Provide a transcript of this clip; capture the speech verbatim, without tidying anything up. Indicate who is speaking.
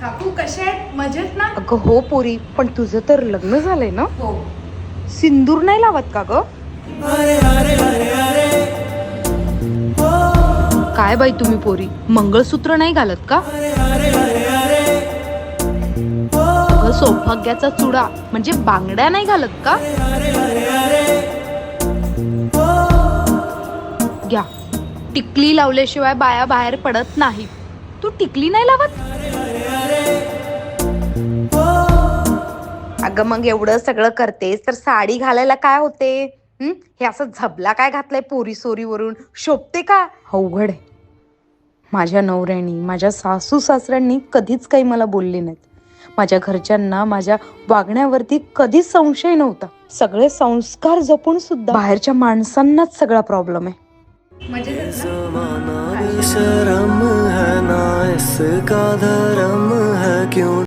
Speaker 1: काकू कशा आहेत? मजेत ना?
Speaker 2: अगं हो पोरी, पण तुझं तर लग्न झालंय ना?
Speaker 1: हो.
Speaker 2: सिंदूर नाही लावत का ग? काय बाई तुम्ही पोरी, मंगळसूत्र नाही घालत का? अगं सौभाग्याचा चुडा म्हणजे बांगड्या नाही घालत का? घ्या, टिकली लावल्याशिवाय बाया बाहेर पडत नाही. तू टिकली नाही लावत? अगं मग एवढं सगळं करतेस तर साडी घालायला काय होते? हं? हे असं झबला काय घातलंय पोरी सोरीवरून, शोभते का? अवघड आहे. माझ्या नवऱ्यानी, माझ्या सासू सासऱ्यांनी कधीच काही मला बोलले नाहीत. माझ्या घरच्यांना माझ्या वागण्यावरती कधीच संशय नव्हता. सगळे संस्कार जपून सुद्धा बाहेरच्या माणसांनाच सगळा प्रॉब्लेम आहे.
Speaker 1: मजेत आहेत ना?
Speaker 3: शर्म है ना इसका धर्म है क्यों